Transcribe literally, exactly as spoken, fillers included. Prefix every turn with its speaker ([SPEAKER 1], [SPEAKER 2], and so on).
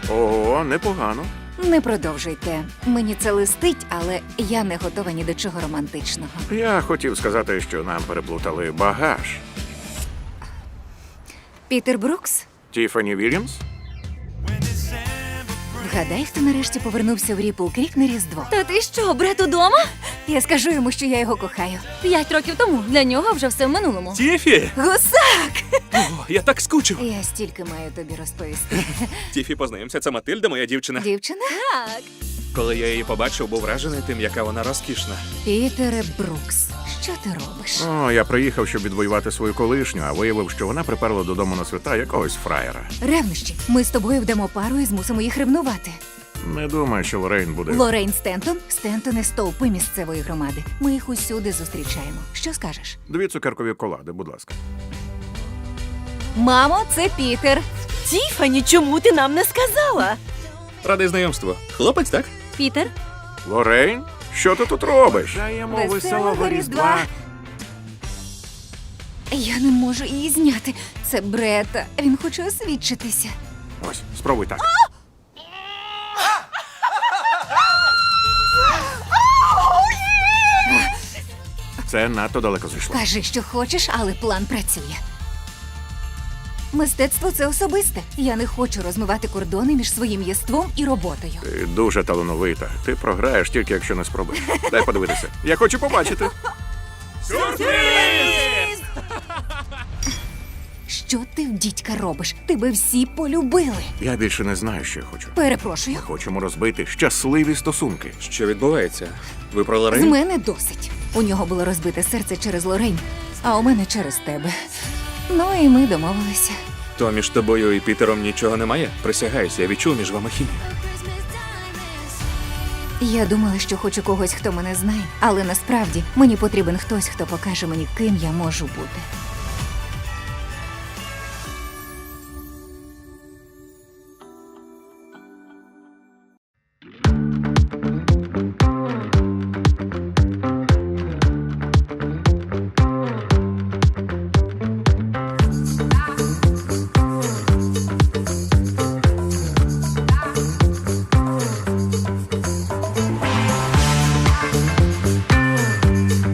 [SPEAKER 1] Ого, непогано.
[SPEAKER 2] Не продовжуйте. Мені це листить, але я не готова ні до чого романтичного.
[SPEAKER 1] Я хотів сказати, що нам переплутали багаж.
[SPEAKER 2] Пітер Брукс?
[SPEAKER 1] Тіфані Вільямс?
[SPEAKER 2] Вгадай, хто нарешті повернувся в Ріпл Крік на Різдво.
[SPEAKER 3] Та ти що, брат удома?
[SPEAKER 2] Я скажу йому, що я його кохаю.
[SPEAKER 3] П'ять років тому. Для нього вже все в минулому.
[SPEAKER 4] Тіфі!
[SPEAKER 2] Гусак!
[SPEAKER 4] О, я так скучив.
[SPEAKER 2] Я стільки маю тобі розповісти.
[SPEAKER 4] Тіфі, познайомся, це Матильда, моя дівчина.
[SPEAKER 2] Дівчина?
[SPEAKER 3] Так.
[SPEAKER 4] Коли я її побачив, був вражений тим, яка вона розкішна.
[SPEAKER 2] Пітере Брукс, що ти робиш?
[SPEAKER 1] О, я приїхав, щоб відвоювати свою колишню, а виявив, що вона приперла додому на свята якогось фраєра.
[SPEAKER 2] Ревнощі. Ми з тобою вдамо пару і змусимо їх ревнувати.
[SPEAKER 1] Не думаю, що Лорейн буде.
[SPEAKER 2] Лорейн Стентон, Стентони стовпи місцевої громади. Ми їх усюди зустрічаємо. Що скажеш?
[SPEAKER 1] Дві цукеркові колади, будь ласка.
[SPEAKER 2] Мамо, це Пітер.
[SPEAKER 3] Тіфані, чому ти нам не сказала?
[SPEAKER 4] Радий знайомству. Хлопець, так?
[SPEAKER 3] Пітер?
[SPEAKER 1] Лорейн? Що ти тут робиш? Даємо
[SPEAKER 2] Веселого
[SPEAKER 1] веселого
[SPEAKER 2] Різдва.
[SPEAKER 1] Різдва.
[SPEAKER 2] Я не можу її зняти. Це Брета. Він хоче освідчитися.
[SPEAKER 1] Ось, спробуй так. Це надто далеко зайшло.
[SPEAKER 2] Кажи, що хочеш, але план працює. Мистецтво – це особисте. Я не хочу розмивати кордони між своїм єством і роботою.
[SPEAKER 1] Ти дуже талановита. Ти програєш тільки, якщо не спробуєш. Дай подивитися. Я хочу побачити.
[SPEAKER 2] Що ти в дідька робиш? Тебе всі полюбили.
[SPEAKER 1] Я більше не знаю, що я хочу.
[SPEAKER 2] Перепрошую.
[SPEAKER 1] Ми хочемо розбити щасливі стосунки.
[SPEAKER 4] Що відбувається? Ви про
[SPEAKER 2] З
[SPEAKER 4] Лорейн?
[SPEAKER 2] мене досить. У нього було розбите серце через Лорейн, а у мене через тебе. Ну і ми домовилися.
[SPEAKER 4] То між тобою і Пітером нічого немає? Присягаюся, я відчув між вами хімію.
[SPEAKER 2] Я думала, що хочу когось, хто мене знає, але насправді мені потрібен хтось, хто покаже мені, ким я можу бути.